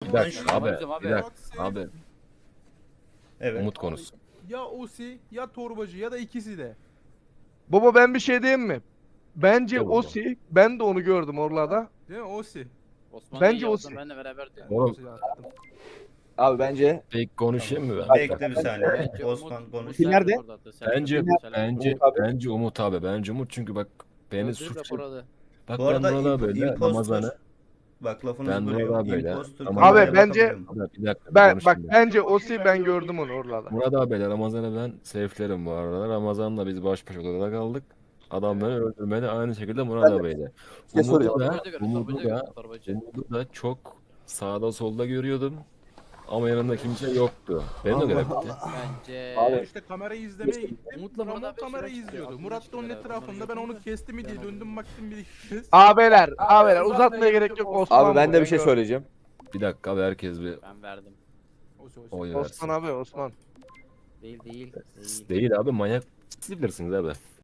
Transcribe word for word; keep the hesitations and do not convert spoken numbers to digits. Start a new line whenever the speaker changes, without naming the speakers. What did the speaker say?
Bir
Ben
dakika
şu-
abi.
Abi, abi.
Bir dakika abi.
Evet.
Umut konusu.
Ya Osi ya torbacı ya da ikisi de.
Baba ben bir şey diyeyim mi? Bence
De baba.
Osi, ben de onu gördüm Orla'da.
Değil mi Osi?
Osman
Bence
Bence
o
olsun
se-
benle beraberdi.
Oğlum.
Osi'yi attım.
Abi bence
Peki konuşayım mı ben?
Bekle bir saniye.
Bence
Osman
Umut-
konuş.
Umut
Kim nerede?
Selçuk orada attı. Selçuk
Bence
Umut Selçuk.
bence
Umut abi.
bence Umut abi. Bence Umut çünkü bak beni
Öldürdü
suç.
raporu.
Bak
Bu
ben
arada
burada
imp-
böyle
impostor.
Ramazan'ı.
Bak lafınızı
Ben
bölüyorum.
Murat abiyle-
Impostor
Abi
kameraya
bence-
bakabiliyor mu?
Abi bir dakika bir
Ben
konuşayım
bak
ya.
bence Osi ben gördüm onu Orla'da.
Murat abiyle Ramazan'ı ben safe'lerim bu arada. Ramazan'la biz baş başa odada kaldık. Adam beni öldürmedi aynı şekilde Murat abiyle.
şey
Umut'u
soracağım.
da,
Torbacı gördü,
Umut'u
torbacı
da,
gördü, torbacı.
Umut'u da çok sağda solda görüyordum. Ama yanında kimse yoktu. Benim de göre bitti.
Bence...
Abi.
İşte kamerayı izlemeye gittim.
Umut'la Murat
Ramon
abi
kamerayı
şuraya çıkıyor.
izliyordu.
Aklımda
Murat da onun
çıkıyor.
etrafında. Ben
Onları
onu kesti mi diye
Tamam.
döndüm baktım bir ikiniz.
Abiler, abiler uzatmaya gerek yok Osman.
abi ben de
bu,
bir şey
gördüm.
söyleyeceğim.
Bir dakika abi herkes bir
Ben verdim.
Osi Osi.
oy versin.
Osman abi Osman.
Değil değil. Değil.
Değil abi manyak siz bilirsiniz abi.